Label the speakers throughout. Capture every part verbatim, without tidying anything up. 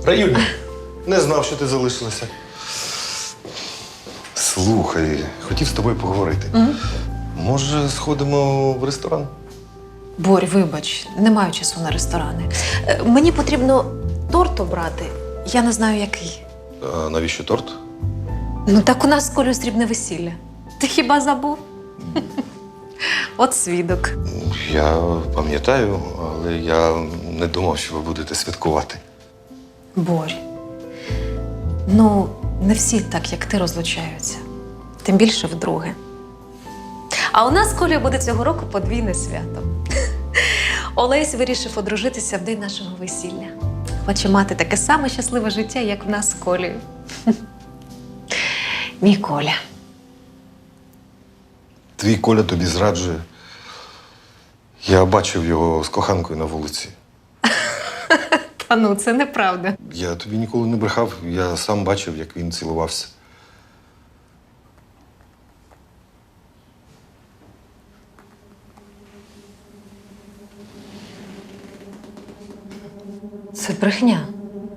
Speaker 1: Раюня, не знав, що ти залишилася. Слухай, хотів з тобою поговорити.
Speaker 2: Угу.
Speaker 1: Може, сходимо в ресторан?
Speaker 2: Борь, вибач, не маю часу на ресторани. Е, Мені потрібно торт обрати. Я не знаю, який.
Speaker 1: А навіщо торт?
Speaker 2: Ну так у нас з Колею срібне весілля. Ти хіба забув? От свідок.
Speaker 1: Я пам'ятаю, але я не думав, що ви будете святкувати.
Speaker 2: Борь, ну, не всі так, як ти, розлучаються. Тим більше вдруге. А у нас з Колею буде цього року подвійне свято. Олесь вирішив одружитися в день нашого весілля. Хоче мати таке саме щасливе життя, як в нас з Колею. Мій Коля.
Speaker 1: Твій Коля тобі зраджує. Я бачив його з коханкою на вулиці.
Speaker 2: Та ну, це неправда.
Speaker 1: Я тобі ніколи не брехав, я сам бачив, як він цілувався.
Speaker 2: Це брехня.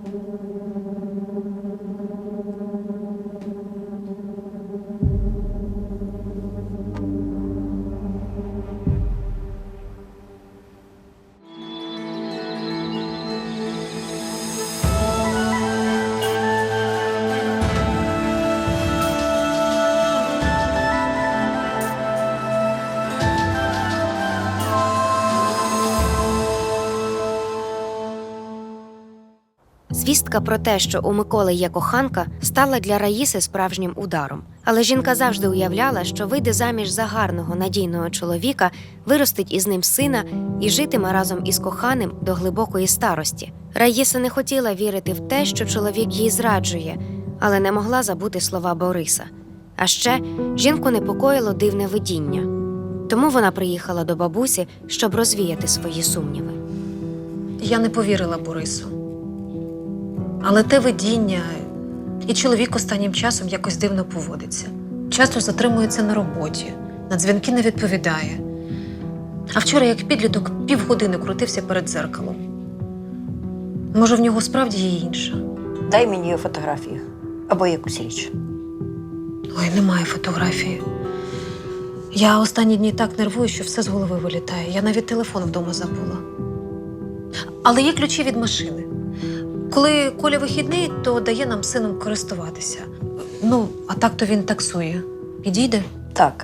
Speaker 3: Звістка про те, що у Миколи є коханка, стала для Раїси справжнім ударом. Але жінка завжди уявляла, що вийде заміж за гарного, надійного чоловіка, виростить із ним сина і житиме разом із коханим до глибокої старості. Раїса не хотіла вірити в те, що чоловік їй зраджує, але не могла забути слова Бориса. А ще жінку непокоїло дивне видіння. Тому вона приїхала до бабусі, щоб розвіяти свої сумніви.
Speaker 2: Я не повірила Борису. Але те видіння, і чоловік останнім часом якось дивно поводиться. Часто затримується на роботі, на дзвінки не відповідає. А вчора, як підліток, півгодини крутився перед дзеркалом. Може, в нього справді є інша?
Speaker 4: Дай мені її фотографію або якусь річ.
Speaker 2: Ой, немає фотографії. Я останні дні так нервую, що все з голови вилітає. Я навіть телефон вдома забула. Але є ключі від машини. Коли Коля вихідний, то дає нам з сином користуватися. Ну, а так то він таксує. Підійде?
Speaker 4: Так.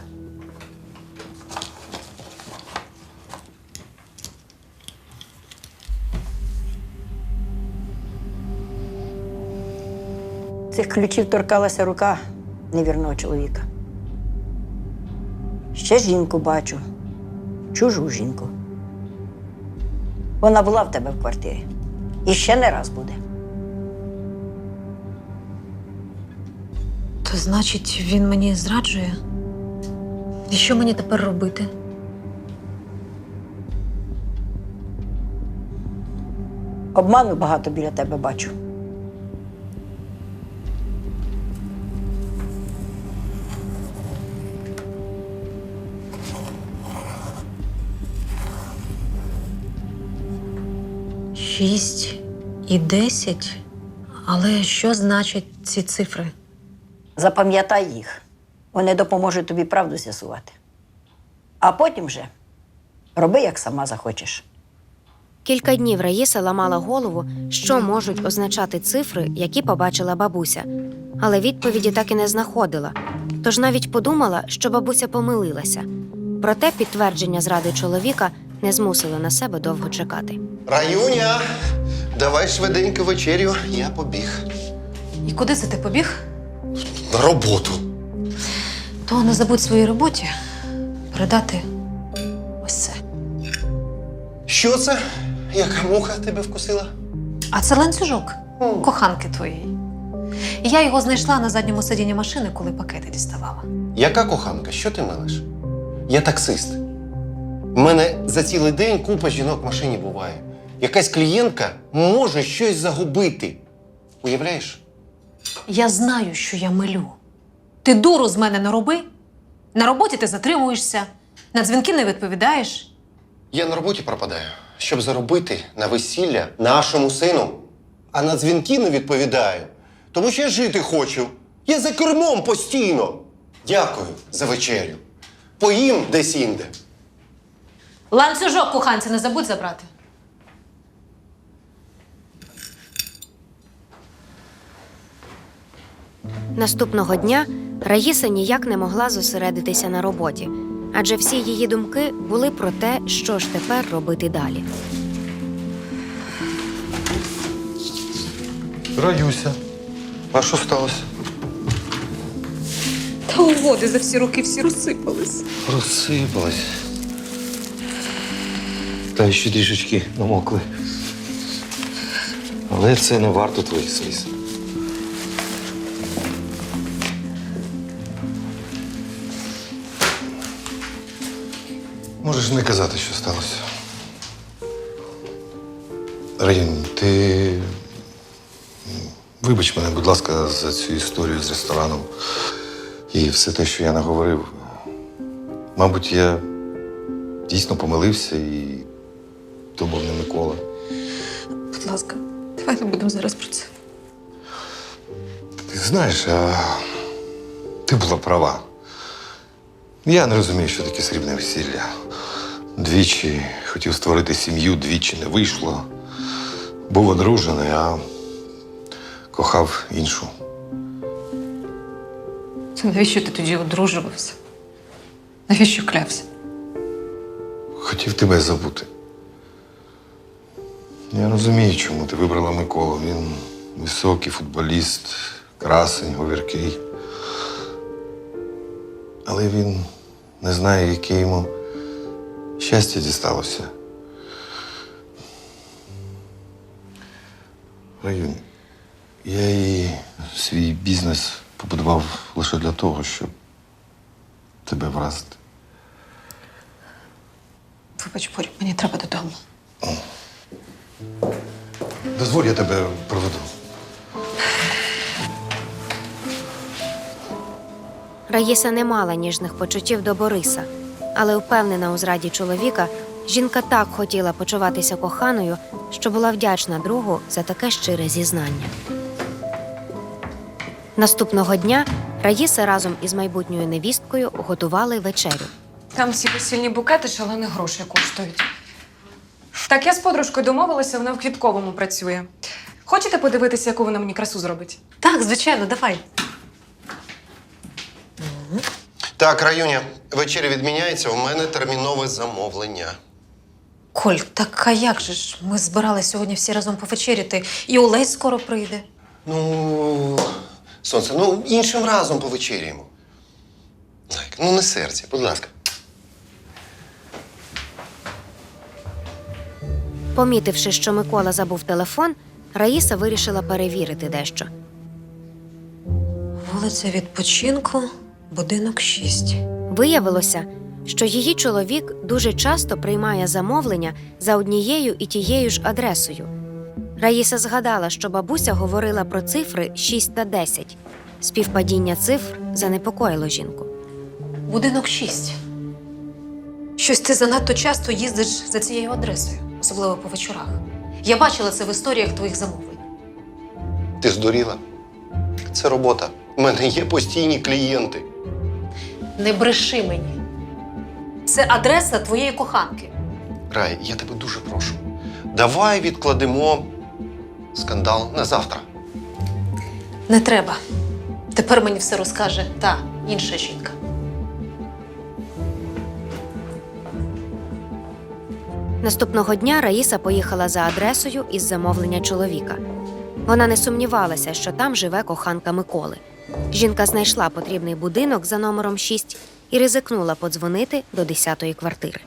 Speaker 4: Цих ключів торкалася рука невірного чоловіка. Ще жінку бачу. Чужу жінку. Вона була в тебе в квартирі. І ще не раз буде.
Speaker 2: То значить, він мені зраджує? І що мені тепер робити?
Speaker 4: Обману багато біля тебе бачу.
Speaker 2: Шість і десять? Але що значать ці цифри?
Speaker 4: Запам'ятай їх. Вони допоможуть тобі правду з'ясувати. А потім вже роби, як сама захочеш.
Speaker 3: Кілька днів Раїса ламала голову, що можуть означати цифри, які побачила бабуся. Але відповіді так і не знаходила. Тож навіть подумала, що бабуся помилилася. Проте підтвердження зради чоловіка не змусило на себе довго чекати.
Speaker 5: Раюня, давай швиденько вечерю, я побіг.
Speaker 2: І куди це ти побіг?
Speaker 5: На роботу.
Speaker 2: То не забудь своїй роботі передати ось це.
Speaker 5: Що це? Яка муха тебе вкусила?
Speaker 2: А це ланцюжок коханки твоєї. І я його знайшла на задньому сидінні машини, коли пакети діставала.
Speaker 5: Яка коханка? Що ти мелиш? Я таксист. У мене за цілий день купа жінок в машині буває. Якась клієнтка може щось загубити. Уявляєш?
Speaker 2: Я знаю, що я милю. Ти дуру з мене не роби. На роботі ти затримуєшся, на дзвінки не відповідаєш.
Speaker 5: Я на роботі пропадаю, щоб заробити на весілля нашому сину. а на дзвінки не відповідаю. Тому що я жити хочу. Я за кермом постійно. Дякую за вечерю. Поїм десь інде.
Speaker 2: Ланцюжок куханці не забудь забрати.
Speaker 3: Наступного дня Раїса ніяк не могла зосередитися на роботі, адже всі її думки були про те, що ж тепер робити далі.
Speaker 1: Раюся. А що сталося?
Speaker 2: Та угоди за всі роки всі розсипались.
Speaker 1: Розсипалась. Та ще трішечки намокли. Але це не варто твоїх сліз. Можеш не казати, що сталося. Раїн, ти вибач мене, будь ласка, за цю історію з рестораном і все те, що я наговорив. Мабуть, я дійсно помилився і то був не Микола.
Speaker 2: Будь ласка, давай не будемо зараз про це.
Speaker 1: Ти знаєш, а ти була права. Я не розумію, що таке срібне весілля. Двічі хотів створити сім'ю, двічі не вийшло. Був одружений, а кохав іншу.
Speaker 2: Це навіщо ти тоді одружувався? Навіщо клявся?
Speaker 1: Хотів тебе забути. Я розумію, чому ти вибрала Миколу. Він високий футболіст, красень, говіркий. Але він не знає, яке йому щастя дісталося. Раюнь, я і свій бізнес побудував лише для того, щоб тебе вразити.
Speaker 2: Вибач, Боря, мені треба додому.
Speaker 1: Дозволь, я тебе проведу.
Speaker 3: Раїса не мала ніжних почуттів до Бориса, але впевнена у зраді чоловіка, жінка так хотіла почуватися коханою, що була вдячна другу за таке щире зізнання. Наступного дня Раїса разом із майбутньою невісткою готували вечерю.
Speaker 6: Там всі весільні букети шалені гроші коштують. Так, я з подружкою домовилася, вона в квітковому працює. Хочете подивитися, яку вона мені красу зробить?
Speaker 2: Так, звичайно, давай.
Speaker 5: Так, Раюня, вечеря відміняється, у мене термінове замовлення.
Speaker 2: Коль, так а як же ж? Ми збиралися сьогодні всі разом повечеряти, і Олесь скоро прийде.
Speaker 5: Ну, сонце, ну іншим разом повечеряємо. Зайка, ну не серця, будь ласка.
Speaker 3: Помітивши, що Микола забув телефон, Раїса вирішила перевірити дещо.
Speaker 2: Вулиця Відпочинку, будинок шість.
Speaker 3: Виявилося, що її чоловік дуже часто приймає замовлення за однією і тією ж адресою. Раїса згадала, що бабуся говорила про цифри шість та десять. Співпадіння цифр занепокоїло жінку.
Speaker 2: Будинок шість. Щось ти занадто часто їздиш за цією адресою, особливо по вечорах. Я бачила це в історіях твоїх замовлень.
Speaker 5: Ти здуріла? Це робота. У мене є постійні клієнти.
Speaker 2: Не бреши мені. Це адреса твоєї коханки.
Speaker 5: Рай, я тебе дуже прошу. Давай відкладемо скандал на завтра.
Speaker 2: Не треба. Тепер мені все розкаже та інша жінка.
Speaker 3: Наступного дня Раїса поїхала за адресою із замовлення чоловіка. Вона не сумнівалася, що там живе коханка Миколи. Жінка знайшла потрібний будинок за номером шість і ризикнула подзвонити до десятої квартири.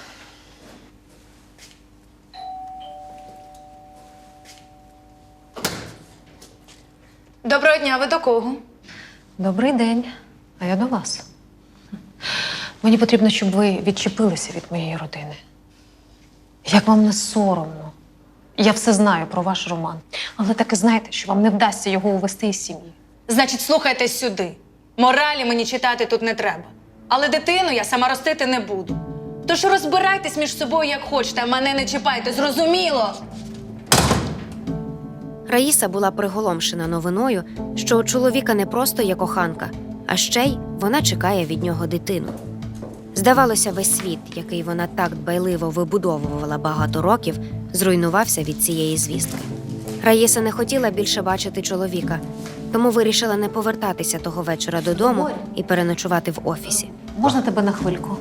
Speaker 6: Доброго дня, ви до кого?
Speaker 2: Добрий день. А я до вас. Мені потрібно, щоб ви відчепилися від моєї родини. Як вам не соромно? Я все знаю про ваш роман. Але так і знайте, що вам не вдасться його увести із сім'ї.
Speaker 6: Значить, слухайте сюди. Моралі мені читати тут не треба. Але дитину я сама ростити не буду. Тож розбирайтесь між собою, як хочете, а мене не чіпайте, зрозуміло?
Speaker 3: Раїса була приголомшена новиною, що у чоловіка не просто є коханка, а ще й вона чекає від нього дитину. Здавалося, весь світ, який вона так дбайливо вибудовувала багато років, зруйнувався від цієї звістки. Раїса не хотіла більше бачити чоловіка, тому вирішила не повертатися того вечора додому і переночувати в офісі.
Speaker 2: Можна тебе на хвильку?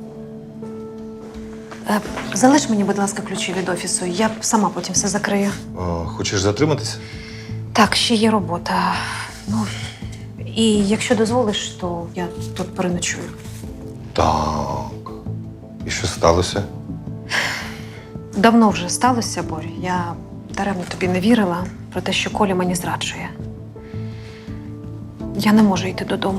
Speaker 2: Е, залиш мені, будь ласка, ключі від офісу. Я сама потім все закрию.
Speaker 1: О, хочеш затриматися?
Speaker 2: Так, ще є робота. Ну, і якщо дозволиш, то я тут переночую.
Speaker 1: Так. І що сталося?
Speaker 2: Давно вже сталося, Борь. Я даремно тобі не вірила про те, що Коля мені зраджує. Я не можу йти додому.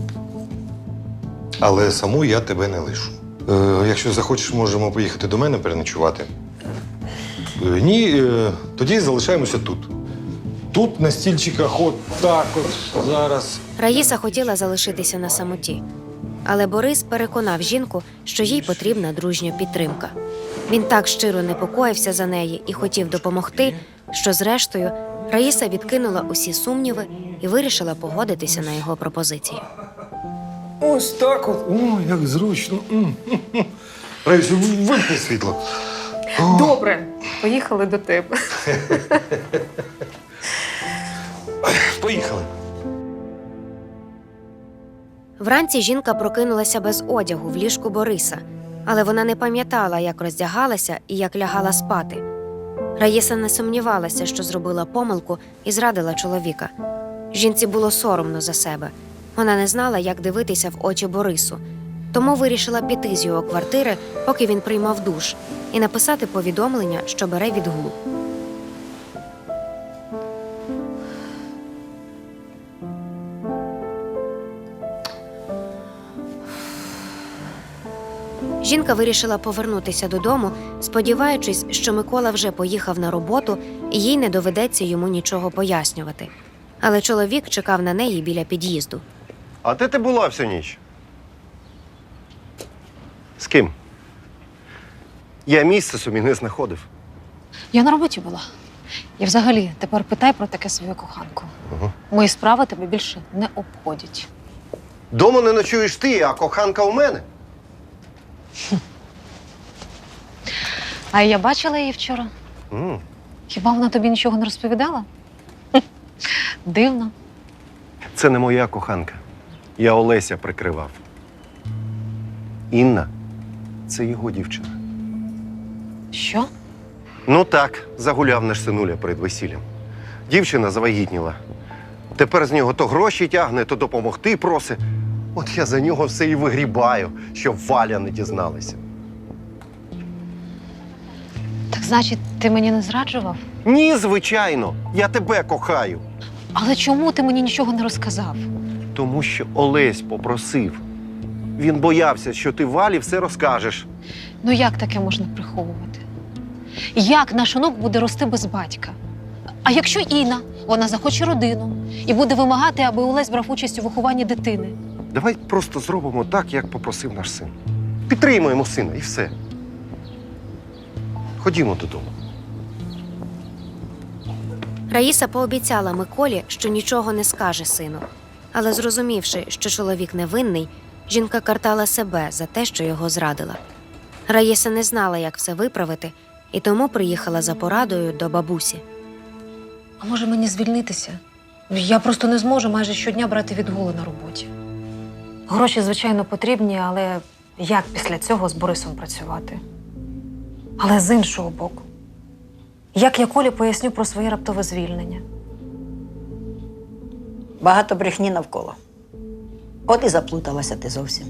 Speaker 1: Але саму я тебе не лишу. Е, якщо захочеш, можемо поїхати до мене переночувати. Е, ні, е, тоді залишаємося тут. Тут на стільчиках от так от зараз.
Speaker 3: Раїса хотіла залишитися на самоті. Але Борис переконав жінку, що їй потрібна дружня підтримка. Він так щиро непокоївся за неї і хотів допомогти, що зрештою Раїса відкинула усі сумніви і вирішила погодитися на його пропозицію.
Speaker 1: Ось так от. О, як зручно. Раїсю, вимкни світло. О.
Speaker 2: Добре, поїхали до тебе.
Speaker 1: Поїхали.
Speaker 3: Вранці жінка прокинулася без одягу в ліжку Бориса, але вона не пам'ятала, як роздягалася і як лягала спати. Раїса не сумнівалася, що зробила помилку і зрадила чоловіка. Жінці було соромно за себе. Вона не знала, як дивитися в очі Борису, тому вирішила піти з його квартири, поки він приймав душ, і написати повідомлення, що бере відгул. Жінка вирішила повернутися додому, сподіваючись, що Микола вже поїхав на роботу і їй не доведеться йому нічого пояснювати. Але чоловік чекав на неї біля під'їзду.
Speaker 5: А де ти була всю ніч? З ким? Я місце собі не знаходив.
Speaker 2: Я на роботі була. І взагалі тепер питай про таке свою коханку.
Speaker 5: Угу.
Speaker 2: Мої справи тебе більше не обходять.
Speaker 5: Дома не ночуєш ти, а коханка у мене.
Speaker 2: А я бачила її вчора.
Speaker 5: М.
Speaker 2: Хіба вона тобі нічого не розповідала? Хм, дивно.
Speaker 5: Це не моя коханка. Я Олеся прикривав. Інна – це його дівчина.
Speaker 2: Що?
Speaker 5: Ну так, загуляв наш синуля перед весіллям. Дівчина завагітніла. Тепер з нього то гроші тягне, то допомогти просить. От я за нього все і вигрібаю, щоб Валя не дізналася.
Speaker 2: Так значить, ти мені не зраджував?
Speaker 5: Ні, звичайно, я тебе кохаю.
Speaker 2: Але чому ти мені нічого не розказав?
Speaker 5: Тому що Олесь попросив. Він боявся, що ти Валі все розкажеш.
Speaker 2: Ну як таке можна приховувати? Як наш онук буде рости без батька? А якщо Інна, вона захоче родину і буде вимагати, аби Олесь брав участь у вихованні дитини?
Speaker 5: Давай просто зробимо так, як попросив наш син. Підтримуємо сина і все. Ходімо додому.
Speaker 3: Раїса пообіцяла Миколі, що нічого не скаже сину. Але зрозумівши, що чоловік невинний, жінка картала себе за те, що його зрадила. Раїса не знала, як все виправити, і тому приїхала за порадою до бабусі.
Speaker 2: А може мені звільнитися? Я просто не зможу майже щодня брати відгули на роботі. Гроші, звичайно, потрібні, але як після цього з Борисом працювати? Але з іншого боку, як я Колі поясню про своє раптове звільнення?
Speaker 4: Багато брехні навколо. От і заплуталася ти зовсім.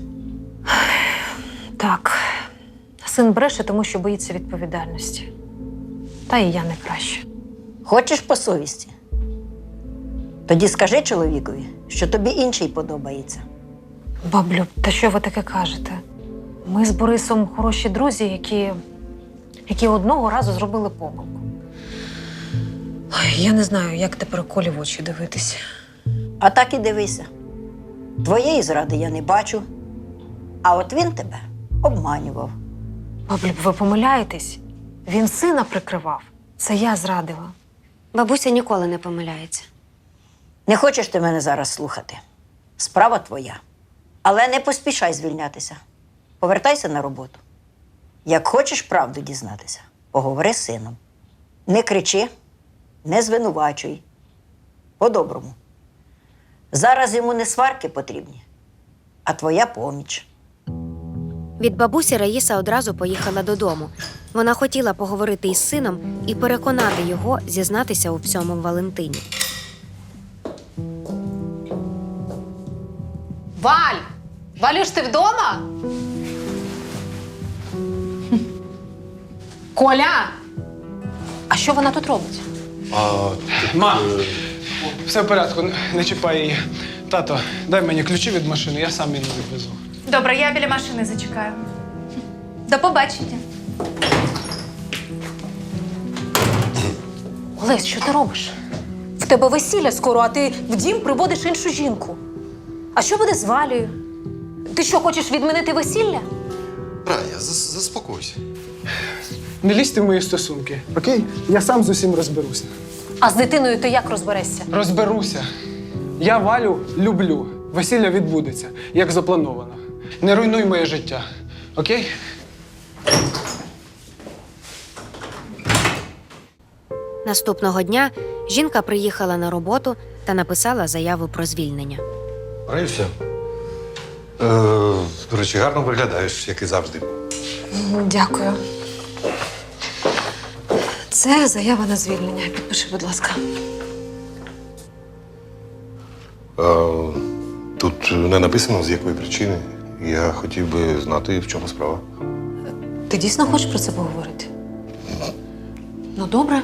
Speaker 2: Так, син бреше, тому що боїться відповідальності. Та і я не краще.
Speaker 4: Хочеш по совісті? Тоді скажи чоловікові, що тобі інший подобається.
Speaker 2: Баблю, та що ви таке кажете? Ми з Борисом хороші друзі, які, які одного разу зробили помилку. Ой, я не знаю, як тепер Колі в очі дивитися.
Speaker 4: А так і дивися. Твоєї зради я не бачу, а от він тебе обманював.
Speaker 2: Баблю, ви помиляєтесь? Він сина прикривав. Це я зрадила.
Speaker 3: Бабуся ніколи не помиляється.
Speaker 4: Не хочеш ти мене зараз слухати. Справа твоя. Але не поспішай звільнятися. Повертайся на роботу. Як хочеш правду дізнатися, поговори з сином. Не кричи, не звинувачуй. По-доброму. Зараз йому не сварки потрібні, а твоя поміч.
Speaker 3: Від бабусі Раїса одразу поїхала додому. Вона хотіла поговорити із сином і переконати його зізнатися у всьому Валентині.
Speaker 2: Валь! Валюш, ти вдома? Коля! А що вона тут робить?
Speaker 7: Ма, все в порядку, не- не чіпай її. Тато, дай мені ключі від машини, я сам її відвезу.
Speaker 8: Добре, я біля машини зачекаю. До побачення.
Speaker 2: Олесь, що ти робиш? В тебе весілля скоро, а ти в дім приводиш іншу жінку. А що буде з Валею? Ти що, хочеш відмінити весілля?
Speaker 5: Рая, зас- заспокойся.
Speaker 7: Не лізьте в мої стосунки, окей? Я сам з усім розберуся.
Speaker 2: А з дитиною ти як розберешся?
Speaker 7: Розберуся. Я Валю люблю. Весілля відбудеться, як заплановано. Не руйнуй моє життя, окей?
Speaker 3: Наступного дня жінка приїхала на роботу та написала заяву про звільнення.
Speaker 1: Раюся. Е, до речі, гарно виглядаєш, як і завжди.
Speaker 2: Дякую. Це заява на звільнення. Підпиши, будь ласка.
Speaker 1: Е, тут не написано, з якої причини. Я хотів би знати, в чому справа.
Speaker 2: Ти дійсно хочеш про це поговорити? Ну, добре.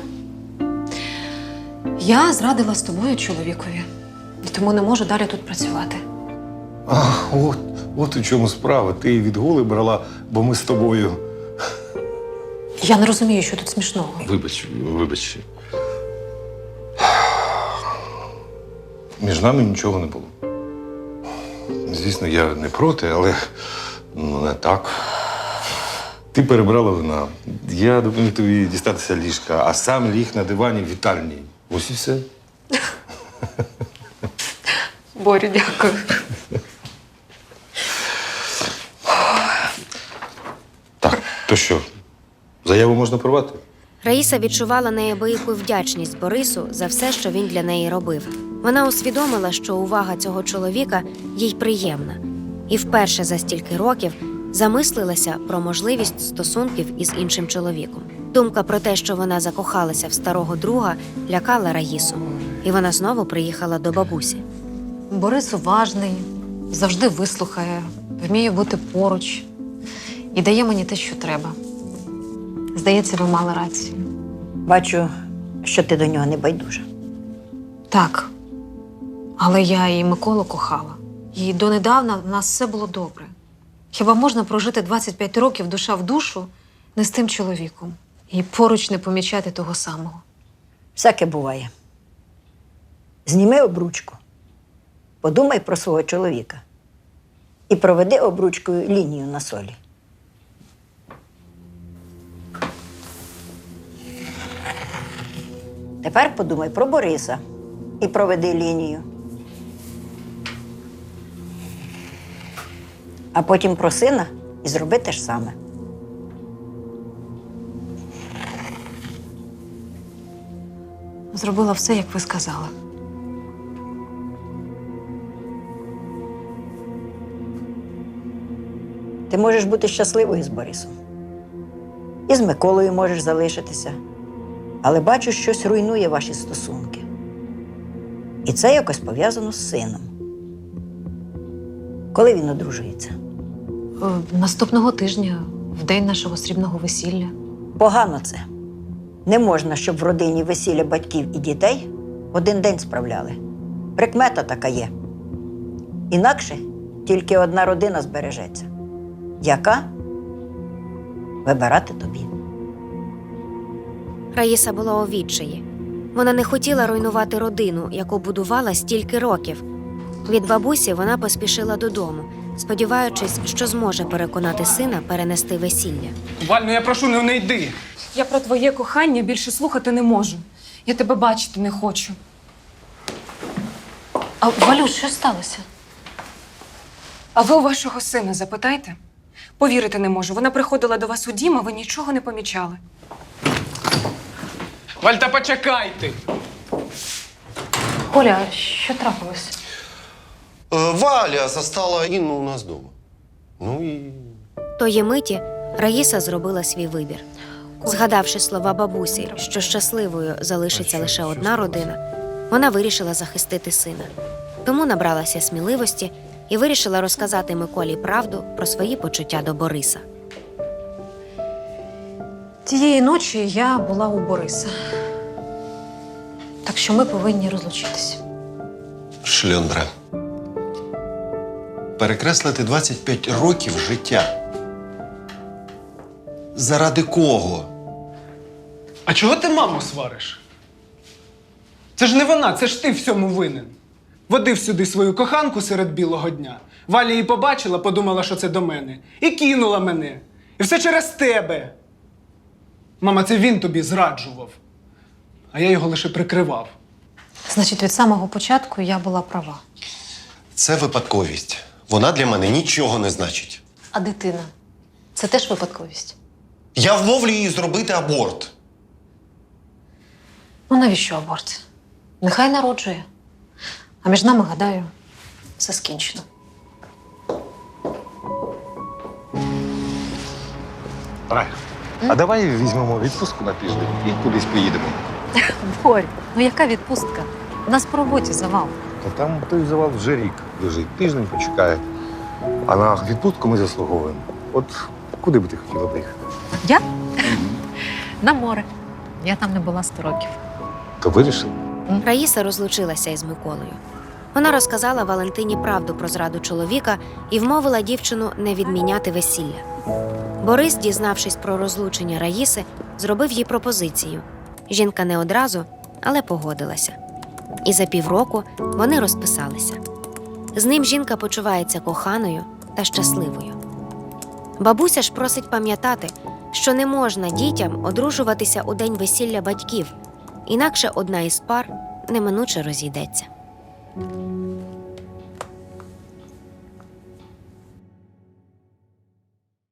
Speaker 2: Я зрадила з тобою чоловікові, і тому не можу далі тут працювати.
Speaker 1: А, от, от у чому справа. Ти відгули брала, бо ми з тобою.
Speaker 2: Я не розумію, що тут смішного.
Speaker 1: Вибач, вибач. Між нами нічого не було. Звісно, я не проти, але ну, не так. Ти перебрала вина. Я допоміг тобі дістатися ліжка, а сам ліг на дивані в вітальні. Ось і все.
Speaker 2: Борю, дякую.
Speaker 1: Так, то що, заяву можна порвати?
Speaker 3: Раїса відчувала неабияку вдячність Борису за все, що він для неї робив. Вона усвідомила, що увага цього чоловіка їй приємна, і вперше за стільки років замислилася про можливість стосунків із іншим чоловіком. Думка про те, що вона закохалася в старого друга, лякала Раїсу, і вона знову приїхала до бабусі.
Speaker 2: Борис уважний, завжди вислухає, вміє бути поруч і дає мені те, що треба. Здається, ви мали рацію.
Speaker 4: Бачу, що ти до нього не байдужа.
Speaker 2: Так. Але я і Миколу кохала. І донедавна в нас все було добре. Хіба можна прожити двадцять п'ять років душа в душу не з тим чоловіком і поруч не помічати того самого?
Speaker 4: Всяке буває. Зніми обручку, подумай про свого чоловіка і проведи обручкою лінію на солі. Тепер подумай про Бориса і проведи лінію. А потім про сина і зроби те ж саме.
Speaker 2: Зробила все, як ви сказали.
Speaker 4: Ти можеш бути щасливою з Борисом. І з Миколою можеш залишитися. Але бачу, щось руйнує ваші стосунки. І це якось пов'язано з сином. Коли він одружується?
Speaker 2: Е, Наступного тижня, в день нашого срібного весілля.
Speaker 4: Погано це. Не можна, щоб в родині весілля батьків і дітей в один день справляли. Прикмета така є. Інакше тільки одна родина збережеться. Яка? Вибирати тобі.
Speaker 3: Раїса була у відчаї. Вона не хотіла руйнувати родину, яку будувала стільки років. Від бабусі вона поспішила додому, сподіваючись, що зможе переконати сина перенести весілля.
Speaker 7: Валь, ну я прошу, ну не йди.
Speaker 6: Я про твоє кохання більше слухати не можу. Я тебе бачити не хочу.
Speaker 2: А Валюш, що сталося?
Speaker 6: А ви у вашого сина запитайте. Повірити не можу. Вона приходила до вас у дім, а ви нічого не помічали.
Speaker 7: Валь, та почекайте!
Speaker 2: Коля, що трапилось?
Speaker 5: Е, Валя застала Інну у нас вдома. Ну і.
Speaker 3: Тої миті Раїса зробила свій вибір. Згадавши слова бабусі, що щасливою залишиться лише одна родина, вона вирішила захистити сина. Тому набралася сміливості і вирішила розказати Миколі правду про свої почуття до Бориса.
Speaker 2: Тієї ночі я була у Бориса. Так що ми повинні розлучитися.
Speaker 5: Шльондра. Перекреслити двадцять п'ять років життя. Заради кого?
Speaker 7: А чого ти маму свариш? Це ж не вона, це ж ти всьому винен. Водив сюди свою коханку серед білого дня. Валя її побачила, подумала, що це до мене. І кинула мене. І все через тебе. Мама, це він тобі зраджував. А я його лише прикривав.
Speaker 2: Значить, від самого початку я була права.
Speaker 5: Це випадковість. Вона для мене нічого не значить.
Speaker 2: А дитина – це теж випадковість.
Speaker 5: Я вмовлю її зробити аборт.
Speaker 2: Ну навіщо аборт? Нехай народжує. А між нами, гадаю, все скінчено.
Speaker 1: Рай, а давай візьмемо відпустку на тиждень і кудись поїдемо.
Speaker 2: Борь, ну яка відпустка? У нас по роботі завал.
Speaker 1: Та там той завал вже рік лежить, тиждень почекає. А на відпустку ми заслуговуємо. От куди би ти хотіла поїхати?
Speaker 2: Я? На море. Я там не була сто років.
Speaker 1: То вирішив?
Speaker 3: Раїса розлучилася із Миколою. Вона розказала Валентині правду про зраду чоловіка і вмовила дівчину не відміняти весілля. Борис, дізнавшись про розлучення Раїси, зробив їй пропозицію. Жінка не одразу, але погодилася. І за півроку вони розписалися. З ним жінка почувається коханою та щасливою. Бабуся ж просить пам'ятати, що не можна дітям одружуватися у день весілля батьків, інакше одна із пар неминуче розійдеться.